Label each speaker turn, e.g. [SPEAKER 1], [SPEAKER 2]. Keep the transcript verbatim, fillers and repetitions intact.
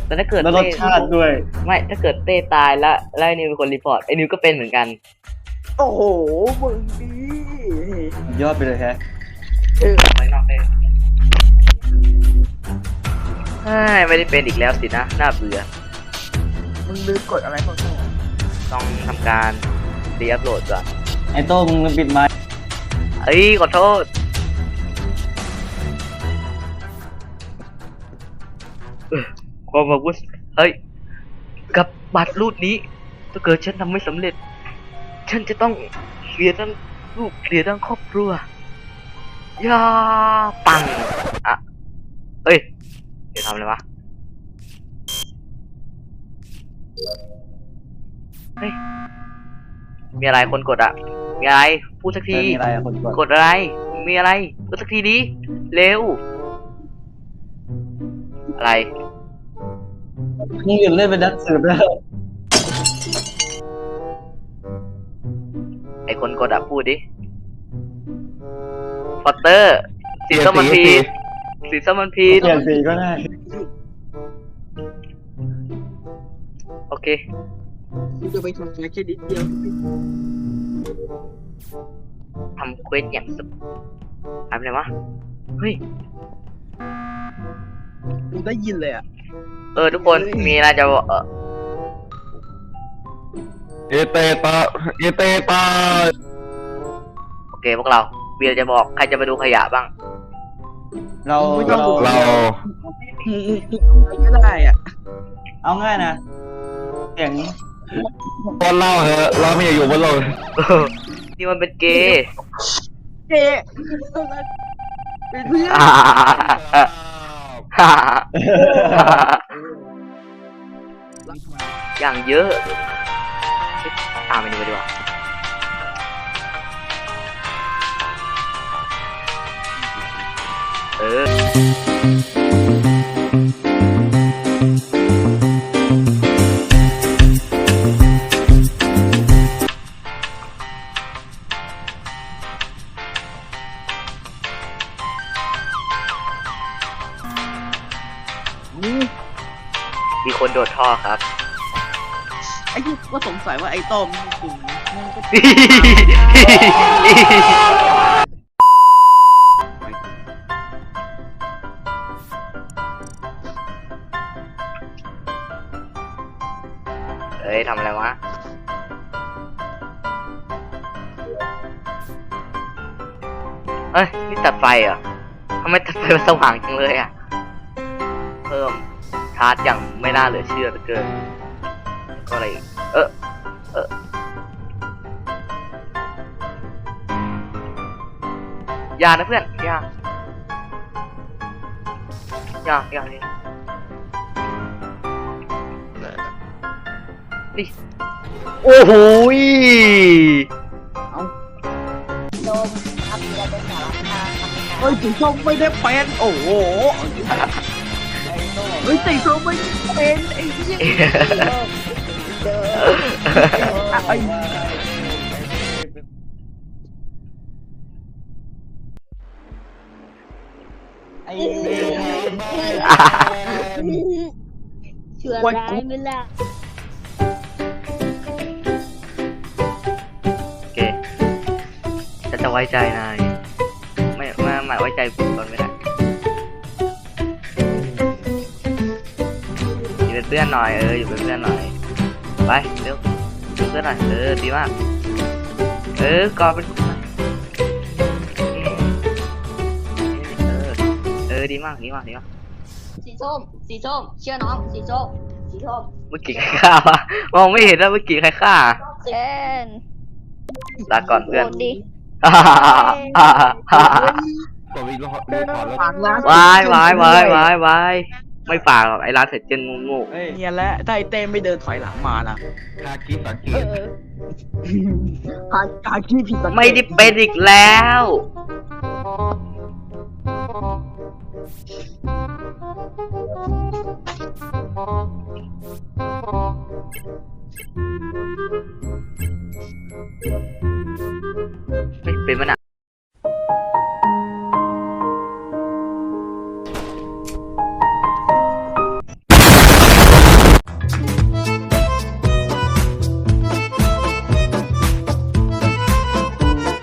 [SPEAKER 1] แต่ถ้าเกิด
[SPEAKER 2] แล้วรสชาติด้วย
[SPEAKER 1] ไม่ถ้าเกิดเต้ตายแล้วแล้วไอ้นิวเป็นคนรีพอร์ตไอ้นิวก็เป็นเหมือนกัน
[SPEAKER 3] โอ้โหมึงดี
[SPEAKER 2] ยอดไปเลยแฮะ
[SPEAKER 3] เออ
[SPEAKER 1] ไม่นอกเต้ไม่ได้เป็นอีกแล้วสินะน่าเบื่อ
[SPEAKER 3] มึงลืมกดอะไรบ้าง
[SPEAKER 1] ต้องทำการรีอัพโหลดก่อน
[SPEAKER 2] ไอโต้มึงปิดไมค์
[SPEAKER 1] เอ้ยขอโทษความอาวุธเฮ้ยกับบัตรรูดนี้ถ้าเกิดฉันทำไม่สำเร็จฉันจะต้องเสียทั้งลูกเสียทั้งครอบครัวยาปังอ่ะเอ้ยเดี๋ยวทำอะไรวะเฮ้ยมีอะไรคนกดอ่ะมีอะไรพูดสักที
[SPEAKER 2] มีอะไรอะคนกด
[SPEAKER 1] กดอะไรมีอะไรพูดสักทีดิเร็วอะไร
[SPEAKER 2] นี่หยุดเล่นเป็นนักสืบแล้ว
[SPEAKER 1] ไอคนกดอ่ะพูดดิฟอตเตอร์สีส้มมันพีดสีส้มมันพีด
[SPEAKER 2] เปลี่ยนสีก็ได้
[SPEAKER 1] โอเค
[SPEAKER 3] กูจะไปทำแค่แค่นิดเดียว
[SPEAKER 1] ทำเควสอย่างสุดทำอะไรวะเฮ้ย
[SPEAKER 3] กูได้ยินเลยอ่ะ
[SPEAKER 1] เออทุกคนมีอะไรจะบอกเออ
[SPEAKER 4] เอเตตาเอเตตา
[SPEAKER 1] โอเคพวกเราเบียร์จะบอกใครจะไปดูขยะบ้าง
[SPEAKER 2] เราเรา
[SPEAKER 4] เรา
[SPEAKER 3] มึงมึงก็ได้อ่ะ
[SPEAKER 2] เอาง่ายนะเสียง
[SPEAKER 4] ตอนเล่าเหอะเราไม่อยากอยู่บนโลก
[SPEAKER 1] นี่มันเป็นเกย์
[SPEAKER 3] เอ๊ะเป็นเพื่อน
[SPEAKER 1] อย่างเยอะตามไปดูไปดีกว่าเออมีคนโดดท่อครับ
[SPEAKER 3] ไอ้ที่ก็สงสัยว่าไอ้ต้อมจริงมันก็
[SPEAKER 1] เอ้ยทำอะไรวะเฮ้ยนี่ตัดไฟเหรอทำไมตัดไฟมันสว่างจังเลยอ่ะเพิ่มชาร์จอย่างไม่น่าเหลือเชื่อเหลือเกินก็อะไรอีกเออเอออย่านะเพื่อนอย่าอย่าอย่าเลยนี่โอ้โหย
[SPEAKER 3] เฮ้ยสีส้มไม่ได้เป็นโอ้โหเฮ้ยสีส้มไม่ได้เป็นไอ้เหี้ยไอ้
[SPEAKER 2] ไอ้
[SPEAKER 5] ชั่วร้ายไหมล่ะ
[SPEAKER 1] โอเคฉันจะไว้ใจนายไม่ไม่ไม่ไว้ใจคุณก่อนไม่ได้อยู่เป็นเพื่อนหน่อยเอออยู่เป็นเพื่อนหน่อยไปเร็วอยู่เป็นเพื่อนหน่อยเออดีมากเออกอดเป็นเออเออดีมากดีมากดีมาก
[SPEAKER 5] สีส้ม สีส้ม เชื่อน้อง สีส้ม สีส้ม
[SPEAKER 1] เมื่อกี้ใครฆ่าวะมองไม่เห็นแล้วเมื่อกี้ใครฆ่า
[SPEAKER 5] เอ็น
[SPEAKER 1] ลาก่อนเพื่อน
[SPEAKER 5] โหวตดิ
[SPEAKER 4] กดรีพอร์ตรีพอร์ตแล้ว
[SPEAKER 3] ฝากร้าน
[SPEAKER 1] วายวายวายวายวายไม่ฝากหรอกไอ้ร้านเสร็จเจนงู
[SPEAKER 2] เฮ้ย
[SPEAKER 3] เนี่ยแหละถ้าไอ้เต้ไม่เดินถอยหลังมานะ
[SPEAKER 4] คากิสังเก
[SPEAKER 5] เอ
[SPEAKER 4] ต
[SPEAKER 5] อ
[SPEAKER 3] หาหาขี้ผิดสังเกต
[SPEAKER 1] ไม่ได้เป็นอีกแล้ว